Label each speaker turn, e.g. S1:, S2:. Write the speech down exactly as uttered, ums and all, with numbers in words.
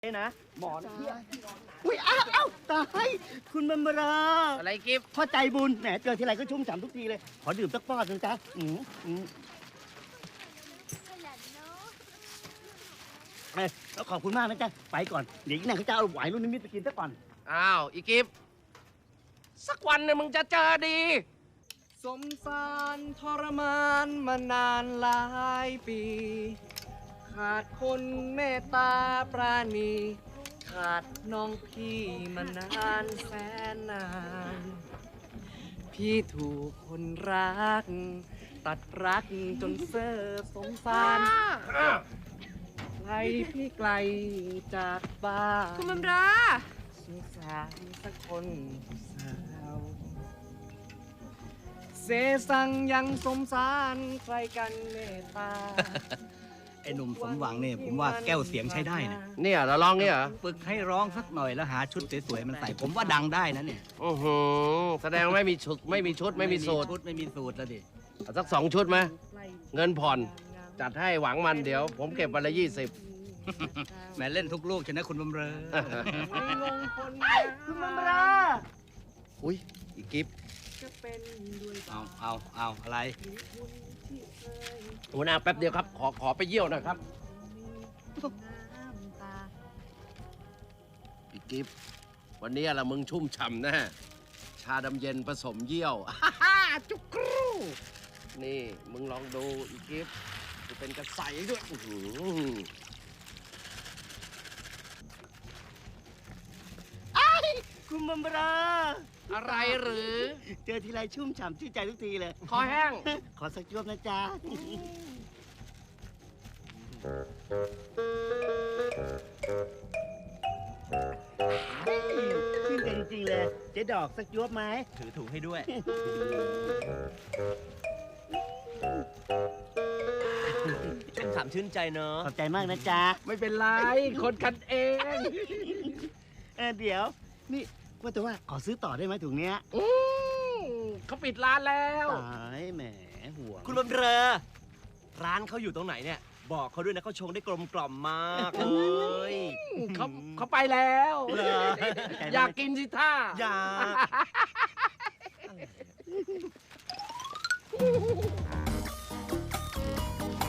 S1: นะหมอนเทียอุ้ยอ้าวอ้าวตายคุณบรรรา
S2: อะไรกิฟต์
S1: พ่อใจบุญแหมเจอทีไรก็ชุ่มฉ่ำทุกทีเลยขอดื่มสักป้อนนึงจ้ะอืมอืมเอ้ยแล้วขอบคุณมากนะจ๊ะไปก่อนเดี๋ยวอีกหน่อยเขาจะเอาไหวรุ่นนิมิตไปกินซะก่อน
S2: อ้าวอีกิฟต์สักวันหนึงมึงจะเจอดี
S3: สมสารทรมานมานานหลายปี ขาดคนเมตตาปราณี ขาดน้องพี่มานานแสนนาน พี่ถูกคนรัก ตัดรักจนเซ่อสงสารไกลพี่ไกลจากบ้าน
S4: คุณบำรา
S3: สงสารสักคนสาวเสสังยังสมสารใครกันเมตตา
S5: ไอ้หนุ่มสมหวังเนี่ยผมว่าแก้วเสียงใช้ได้นะ
S2: เนี่ยเราลองเนี่ยเหรอ
S5: ฝึกให้ร้องสักหน่อยแล้วหาชุดสวยๆมันใส่ผมว่าดังได้นะเนี่ย
S2: อือหือแสดงว่าไม่มีชุดไม่มีชุดไม่มีสูตร
S5: ชุดไม่มีสูตรแล้วดิ
S2: เอาสักสองชุดไหมเงินผ่อน จัดให้หวังมันเดี๋ยว ผมเก็บวันละยี่สิบ
S5: แหมเล่นทุกลูกชนะคุณบำเรอ
S1: คุณบรรรา
S2: อุ้ยอีกิฟต์
S5: เอาเอาเอาอะไร
S2: หัวหน้าแป๊บเดียวครับ ขอขอไปเยี่ยวหนะครับอีกิฟต์วันนี้ละมึงชุ่มฉ่ำแน่ชาดำเย็นผสมเยี่ยว จุกกรูนี่มึงลองดูอีกิฟต์จะเป็นกระใสด้วยอื้อหือ
S1: คุณบรรรา
S2: อะไรหรือ
S1: เจอทีไรชุ่มฉ่ำชื่นใจทุกทีเลย
S2: คอแห้ง
S1: ขอสักจวบนะจ๊ะชื่นใจจริงๆเลยเจ๊ดอกสักจวบไหม
S5: ถือถุงให้ด้วย
S3: ชุ่มฉ่ำชื่นใจเนอะ
S1: ขอบใจมากนะจ๊ะ
S2: ไม่เป็นไร คนกันเอง
S1: เออเดี๋ยว นี่ว่าแต่ว่าขอซื้อต่อได้ไหมถุงเนี้ย
S2: อืมเขาปิดร้านแล้ว
S1: ตายแหมห่วง
S3: คุณบำเรอ ร้านเขาอยู่ตรงไหนเนี่ย บอกเขาด้วยนะเขาชงได้กลมกล่อมมากเลย
S2: เขาเขาไปแล้ว อยากกินสิท่า
S3: อยาก